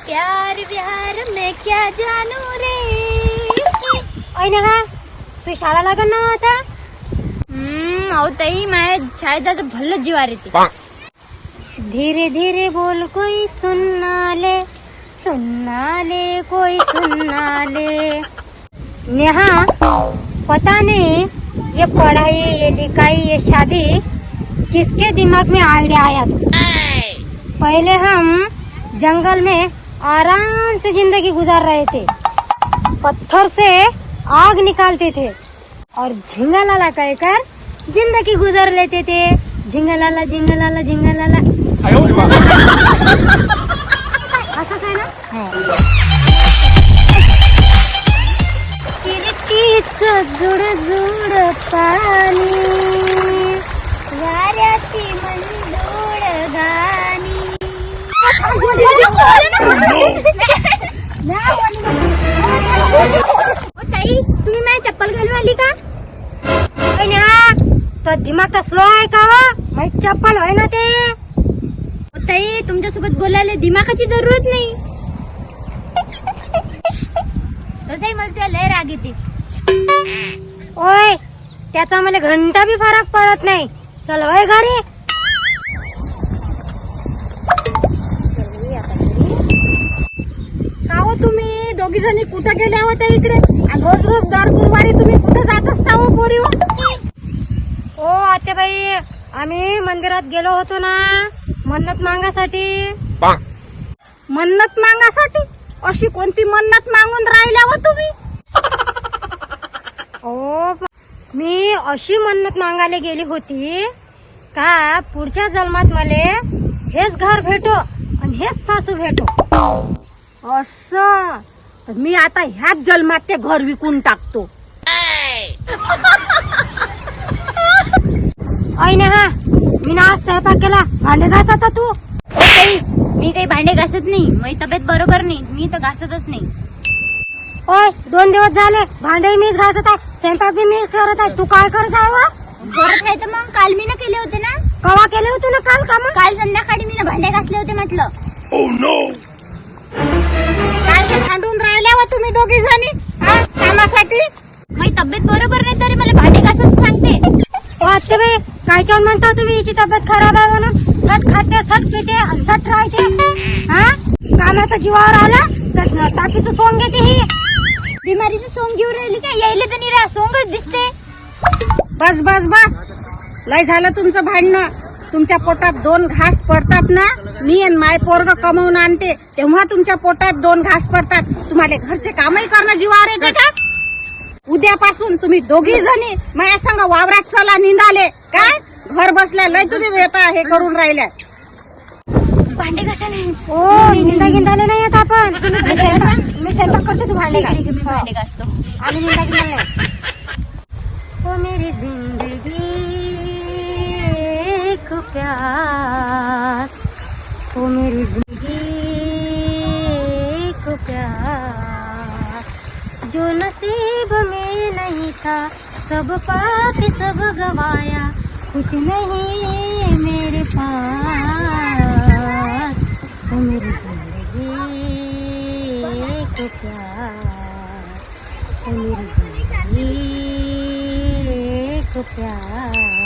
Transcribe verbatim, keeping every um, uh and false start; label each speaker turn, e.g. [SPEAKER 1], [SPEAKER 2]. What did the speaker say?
[SPEAKER 1] प्यार व्यार मैं क्या जानू रे।
[SPEAKER 2] ओय ना तू शाळा लागल ना आता।
[SPEAKER 1] हम्म अहो ताई माझ्या शाळेत जायचं भल्ल जीवार येते।
[SPEAKER 2] धीरे धीरे बोल कोई सुनना ले, सुनना ले कोई सुनना ले। नेहा पता नहीं ये पढ़ाई ये लिखाई ये शादी किसके दिमाग में आइडिया आया तो। पहले हम जंगल में आराम से जिंदगी गुजार रहे थे, पत्थर से आग निकालते थे और झिंगा लाला कहकर जिंदगी गुजार लेते थे। झिंगा लाला झिंगा लाला झिंगा लाला असंच आहे ना। किरतीचं जुड जुड पाणी वाऱ्याची मंजूळ गाणी।
[SPEAKER 1] ताई तुम्ही माझी चप्पल घालून आली का?
[SPEAKER 2] तो दिमाग का स्लो आहे का वा? माझी चप्पल आहे ना ते।
[SPEAKER 1] ताई तुमच्यासोबत बोलायला दिमागाची जरूरत नाही। तसंही मला तुला लय राग येते।
[SPEAKER 2] ओय त्याचा मला घंटा बी फरक पडत नाही। चल वय घरी।
[SPEAKER 3] का हो तुम्ही दोघी जणी कुठे गेल्या होत्या इकडे? आणि रोज रोज दर गुरुवारी तुम्ही कुठे जात असता हो पोरी?
[SPEAKER 2] ओ आत्याबाई आम्ही मंदिरात गेलो होतो ना मन्नत मागासाठी।
[SPEAKER 3] मन्नत मागासाठी? अशी कोणती मन्नत मागून राहिल्या हो तुम्ही?
[SPEAKER 2] ओ मी अशी मन्नत मागायला गेली होती का पुढच्या जन्मात मले हेच घर भेटो आणि हेच सासू भेटो।
[SPEAKER 3] असं तर मी आता ह्याच जन्मात ते घर विकून टाकतो।
[SPEAKER 2] ऐ ना हा मी ना आज स्वयंपाक केला, भांडे घास आता तू।
[SPEAKER 1] ताई मी काही भांडे घासत नाही, माझी तब्येत बरोबर नाही, मी तर घासतच नाही।
[SPEAKER 2] ओय दोन दिवस झाले भांडे मीच घासत आहे, स्वयंपाक बी मीच करत आहे। तू काय करत आहे वा?
[SPEAKER 1] करत आहे तर मग काल मी ना केले होते ना।
[SPEAKER 2] कवा केले होते ना काल काम?
[SPEAKER 1] काल संध्याकाळी मी ना भांडे घासले होते म्हटलं।
[SPEAKER 3] काय भांडून राहिल्या हो तुम्ही दोघी जणी कामासाठी?
[SPEAKER 1] माझी तब्येत बरोबर नाही तरी मला भांडे घासायचं सांगते।
[SPEAKER 2] ओ आत्याबाई काय छान म्हणता तुम्ही हिची तब्येत खराब आहे म्हणून। सट खाते सट पिते आणि सट राहते। हा कामाचा जीवावर आला तर ताकीचं सोंग घेते ही।
[SPEAKER 1] बिमारीचं सोंग घेऊन राहिली काय? यायला तर नाही रा सोंगच दिसते।
[SPEAKER 3] बस बस बस लय झालं तुमचं भांडणं। तुमच्या पोटात दोन घास पडतात ना, मी आणि माय पोरग कमवून आणते तेव्हा तुमच्या पोटात दोन घास पडतात। तुम्हाला घरचे कामही करणं जीवावर येते का? उद्यापासून तुम्ही दोघी जणी माझ्या संग वावरात चला निंदाले काय? घर बसल्या लय तुम्ही येता हे करून राहिल्या।
[SPEAKER 1] भांडे घासायला
[SPEAKER 2] ओ निंदा गिंदाले नाही येत आपण। मी स्वयंपाक मी स्वयंपाक करतो तू भांडे घास।
[SPEAKER 1] मी भांडे घासतो।
[SPEAKER 2] आम्ही निंदा गिंदाले नाही। ओ मेरी जिंदगी एक प्यास, ओ मेरी जिंदगी एक प्यास, जो नसीब में नहीं था सब पाके सब गवाया, कुछ नहीं मेरे पास। ओ मेरी जिंदगी एक प्यास, ओ मेरी जिंदगी एक प्यास।